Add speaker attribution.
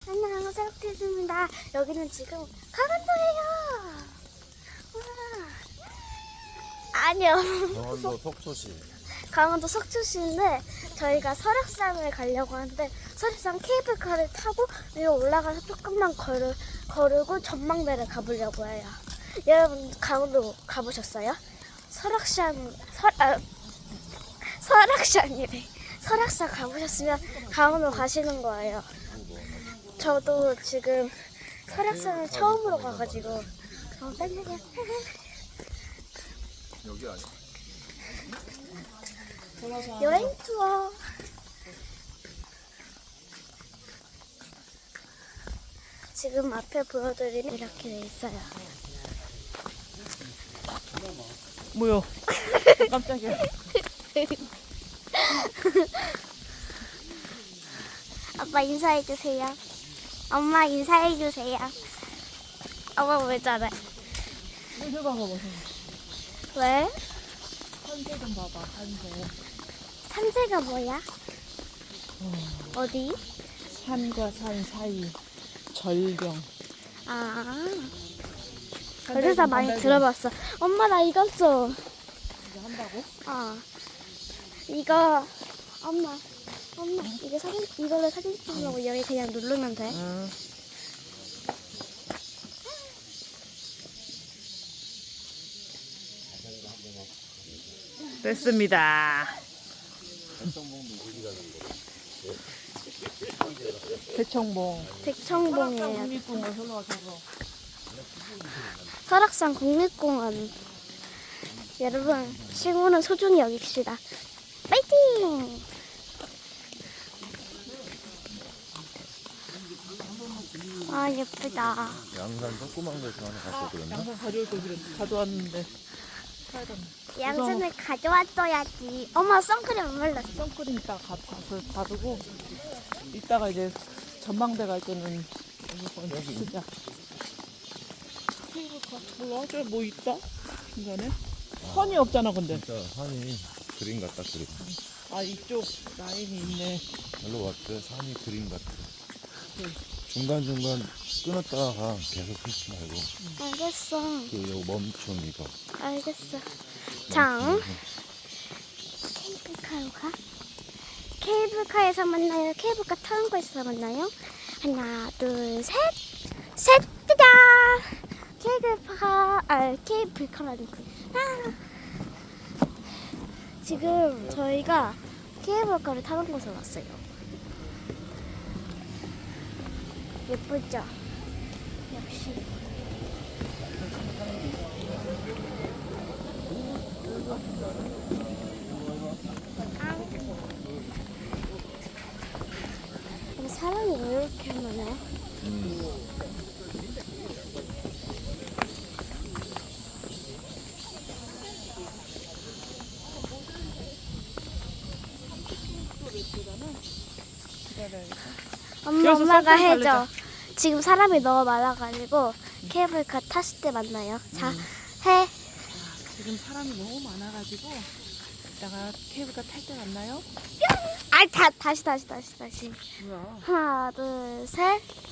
Speaker 1: 안녕, 셀프티즈입니다. 여기는 지금 강원도예요. 와. 아니요.
Speaker 2: 강원도 속초시.
Speaker 1: 강원도 석주시인데 저희가 설악산을 가려고 하는데 설악산 케이블카를 타고 위로 올라가서 조금만 거르고 전망대를 가보려고 해요. 여러분 강원도 가보셨어요? 설악산이래. 설악산 가보셨으면 강원도 가시는 거예요. 저도 지금 설악산을 처음으로 가가지고 깜짝이야.
Speaker 2: 여기 아니야?
Speaker 1: 여행 투어. 지금 앞에 보여드리는 이렇게 돼 있어요.
Speaker 3: 뭐요? 깜짝이야.
Speaker 1: 아빠 인사해주세요. 엄마 인사해주세요. 엄마 왜 저래?
Speaker 3: 이거 봐봐.
Speaker 1: 왜?
Speaker 3: 산세 좀 봐봐. 산세.
Speaker 1: 산세가 뭐야? 어디?
Speaker 3: 산과 산 사이 절경.
Speaker 1: 아, 그래서 많이 들어봤어. 엄마 나 이거 써.
Speaker 3: 이거 한다고?
Speaker 1: 이거 엄마 이거 이걸로 사진 찍으려고 여기 그냥 누르면 돼.
Speaker 3: 응. 됐습니다. 대청봉.
Speaker 1: 백청봉이에요.
Speaker 3: 국립공원 올라가서.
Speaker 1: 설악산 국립공원. 여러분 친구는 소중히 여깁시다. 파이팅! 아 예쁘다.
Speaker 2: 양산 조그만 데서 하나 갖고 그랬나?
Speaker 3: 양산 가져올 걸 그랬는데 가져왔는데. 사야 되나?
Speaker 1: 양손을 가져왔어야지. 엄마 선크림 안 발랐어.
Speaker 3: 선크림 이따가 가서 바르고 이따가 이제 전망대 갈 때는 여기 쓰자. 케이블카 몰라? 저뭐 있다? 중간에? 선이 없잖아 근데.
Speaker 2: 진짜 산이 그림 같다 그림.
Speaker 3: 아 이쪽 라인이 있네.
Speaker 2: 별로 왔대. 산이 그림 같아.
Speaker 3: 네.
Speaker 2: 중간중간 끊었다가 계속 끊지 말고
Speaker 1: 알겠어.
Speaker 2: 요 멈춤 이거.
Speaker 1: 알겠어. 장. 케이블카로 가? 케이블카에서 만나요? 케이블카 타는 곳에서 만나요? 하나, 둘, 셋! 셋! 짜잔! 케이블카라니. 지금 저희가 케이블카를 타는 곳에 왔어요. 예쁘죠? 역시. 사람이 왜 이렇게 많아?
Speaker 3: 여기서
Speaker 1: 엄마가
Speaker 3: 선크림
Speaker 1: 해줘.
Speaker 3: 바르자.
Speaker 1: 지금 사람이 너무 많아가지고 케이블카 탔을 때 만나요. 자, 해.
Speaker 3: 지금 사람이 너무 많아가지고 이따가 케이블카 탈 때 만나요?
Speaker 1: 아, 다시.
Speaker 3: 뭐야?
Speaker 1: 하나, 둘, 셋.